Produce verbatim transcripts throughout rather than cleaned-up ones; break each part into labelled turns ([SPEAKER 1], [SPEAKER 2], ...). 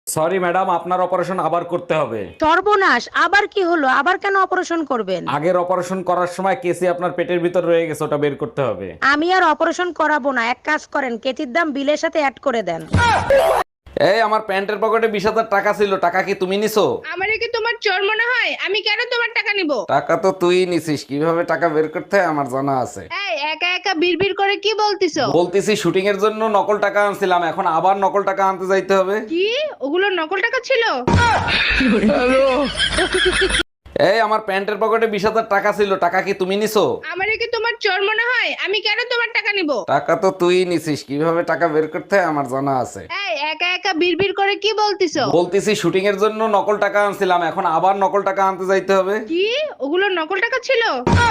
[SPEAKER 1] Sorry madam, আপনার operation আবার করতে হবে।
[SPEAKER 2] সর্বনাশ, আবার কি হলো? আবার কেন অপারেশন করবেন?
[SPEAKER 1] আগের অপারেশন করার সময় কেসি আপনার পেটের ভিতর রয়ে গেছে, ওটা বের করতে হবে।
[SPEAKER 2] আমি আর অপারেশন করাবো না, এক কাজ করেন, কেচির দাম বিলের সাথে অ্যাড করে দেন।
[SPEAKER 1] এই আমার প্যান্টের পকেটে বিশ হাজার টাকা ছিল, টাকা কি তুমি নিছো?
[SPEAKER 3] আমারে কি তোমার চোর মনে হয়? আমি কেন তোমার টাকা নিব?
[SPEAKER 1] টাকা তো তুই নিছিস, কিভাবে টাকা বের করতে হয় আমার জানা আছে।
[SPEAKER 3] এই একা একা বিড়বিড় করে কি বলতিছো?
[SPEAKER 1] বলতেছি শুটিং এর জন্য নকল টাকা আনছিলাম, এখন আবার নকল টাকা আনতে যাইতে হবে।
[SPEAKER 3] কি ওগুলো নকল টাকা ছিল?
[SPEAKER 1] এই আমার প্যান্টের পকেটে বিশ হাজার টাকা ছিল, টাকা কি তুমি নিছো?
[SPEAKER 3] আমারে কি তোমার চোর মনে হয়? আমি কেন তোমার টাকা নিব?
[SPEAKER 1] টাকা তো তুই নিছিস, কিভাবে টাকা বের করতে হয় আমার জানা আছে।
[SPEAKER 3] এই একা একা বিড়বিড় করে কি বলতিছো?
[SPEAKER 1] বলতেছি শুটিং এর জন্য নকল টাকা আনছিলাম, এখন আবার নকল টাকা আনতে যাইতে হবে।
[SPEAKER 3] কি ওগুলো নকল টাকা ছিল?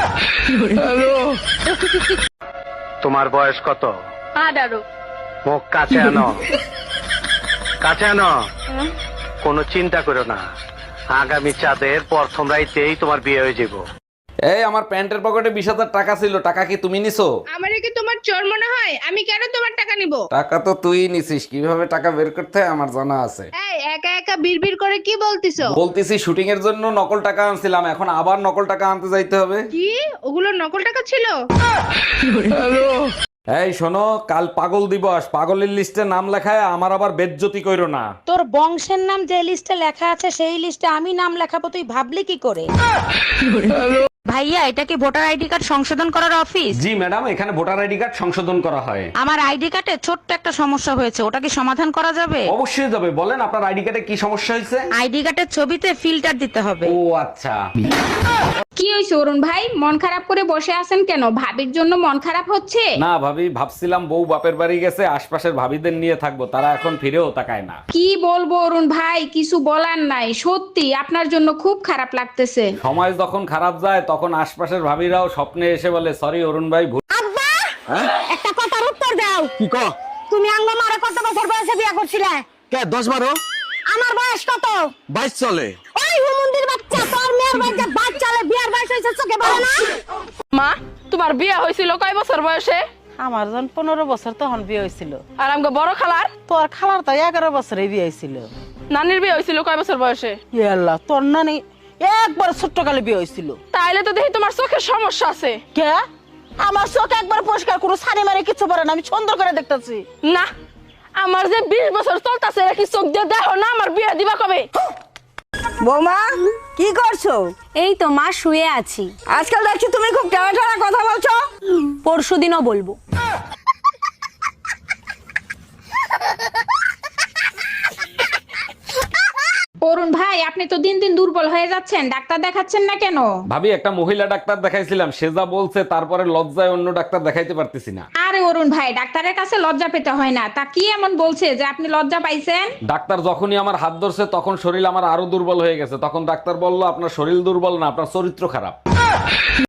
[SPEAKER 4] তোমার বয়স কত?
[SPEAKER 3] আঠারো।
[SPEAKER 4] মুখ কাছে আনো, কাছে আনো। কোনো চিন্তা করো না, আগামী চাঁদের প্রথম রাইতেই তোমার বিয়ে হয়ে যাব।
[SPEAKER 1] এই আমার প্যান্টের পকেটে বিশ হাজার টাকা ছিল, টাকা কি তুমি নিছো?
[SPEAKER 3] আমারে কি তোমার চোর মনে হয়? আমি কেন তোমার টাকা নিব?
[SPEAKER 1] টাকা তো তুই নিছিস, কিভাবে টাকা বের করতে হয় আমার জানা আছে।
[SPEAKER 3] এই একা একা বিড়বিড় করে কি বলতিছো?
[SPEAKER 1] বলতেছি শুটিং এর জন্য নকল টাকা আনছিলাম, এখন আবার নকল টাকা আনতে যাইতে হবে।
[SPEAKER 3] কি ওগুলো নকল টাকা ছিল?
[SPEAKER 1] এই শোনো, কাল পাগল দিবস, পাগলের লিস্টে নাম লেখায় আমার আবার বেজ্জতি কইরো না।
[SPEAKER 2] তোর বংশের নাম যে লিস্টে লেখা আছে সেই লিস্টে আমি নাম লেখাবো, তুই ভাবলি কি করে? ভাইয়া, এটা কি ভোটার আইডি কার্ড সংশোধন করার অফিস?
[SPEAKER 1] জি ম্যাডাম, এখানে ভোটার আইডি কার্ড সংশোধন করা হয়।
[SPEAKER 2] আমার আইডি কার্ডে ছোট্ট একটা সমস্যা হয়েছে, ওটা কি সমাধান করা যাবে?
[SPEAKER 1] অবশ্যই যাবে, বলেন আপনার আইডি কার্ডে কি সমস্যা হয়েছে?
[SPEAKER 2] আইডি কার্ডের ছবিতে ফিল্টার দিতে হবে।
[SPEAKER 1] ও আচ্ছা।
[SPEAKER 3] কি হইছে অরুণ ভাই, মন খারাপ করে বসে আছেন কেন? ভাবির জন্য মন খারাপ হচ্ছে?
[SPEAKER 1] না ভাবি, ভাবছিলাম বউ বাপের বাড়ি গেছে, আশপাশের ভাবিদের নিয়ে থাকবো, তারা এখন ফিরেও তাকায় না।
[SPEAKER 3] কি বলবো অরুণ ভাই, কিছু বলার নাই, সত্যি আপনার জন্য খুব খারাপ লাগতেছে।
[SPEAKER 1] সময় যখন খারাপ যায় তখন আশপাশের ভাবিরাও স্বপ্নে এসে বলে সরি অরুণ ভাই, ভুল।
[SPEAKER 2] একটা কথার উত্তর দাও।
[SPEAKER 5] কি ক?
[SPEAKER 2] তুমি আঙ্গ মারে কত বছর বয়সে বিয়ে করছিলে?
[SPEAKER 5] কে দশ বারো?
[SPEAKER 2] আমার বয়স কত?
[SPEAKER 5] বাইশ চলে।
[SPEAKER 2] ওই হুমুন্দির বাচ্চা, তোর মেয়ের বাচ্চা বাচ্চালে বিয়ার বয়স হয়েছে, চোখে পড়ে না?
[SPEAKER 6] মা, তোমার বিয়ে হয়েছিল কয় বছর বয়সে?
[SPEAKER 7] আমার যখন পনেরো বছর তখন বিয়ে হয়েছিল।
[SPEAKER 6] আর আমাকে বড় খালার
[SPEAKER 7] তোর খালার তো এগারো বছরে বিয়ে হয়েছিল।
[SPEAKER 6] নানির বিয়ে হয়েছিল কয় বছর বয়সে?
[SPEAKER 7] ইয়ে আল্লাহ, তোর নানি একবার ছোট্ট কালে বিয়ে হয়েছিল।
[SPEAKER 6] তাইলে তো দেখি তোমার চোখের সমস্যা আছে।
[SPEAKER 7] কে? আমার চোখ একবার পরিষ্কার, কোনো সানি মারি কিছু পারে না, আমি সুন্দর করে দেখতেছি।
[SPEAKER 6] না, আমার যে বিশ বছর চলতেছে, কি চোখ দিয়ে দেখো না আমার বিয়ে দিবা কবে?
[SPEAKER 8] বৌমা, কি করছো?
[SPEAKER 9] এই তো মা, শুয়ে আছি।
[SPEAKER 8] আজকাল দেখছি তুমি খুব টানা টানা কথা বলছো।
[SPEAKER 9] পরশু দিনও বলবো।
[SPEAKER 3] অরুণ ভাই, আপনি তো দিন দিন দুর্বল হয়ে যাচ্ছেন, ডাক্তার দেখাচ্ছেন না কেন?
[SPEAKER 1] ভাবি, একটা মহিলা ডাক্তার দেখাইছিলাম, সে যা বলছে তারপরে লজ্জায় অন্য ডাক্তার দেখাইতে পারতেছি না।
[SPEAKER 3] আরে অরুণ ভাই, ডাক্তারের কাছে লজ্জা পেতে হয় না। তা কি এমন বলছে যে আপনি লজ্জা পাইছেন?
[SPEAKER 1] ডাক্তার যখনই আমার হাত ধরছে তখন শরীর আমার আরো দুর্বল হয়ে গেছে, তখন ডাক্তার বলল আপনার শরীর দুর্বল না, আপনার চরিত্র খারাপ।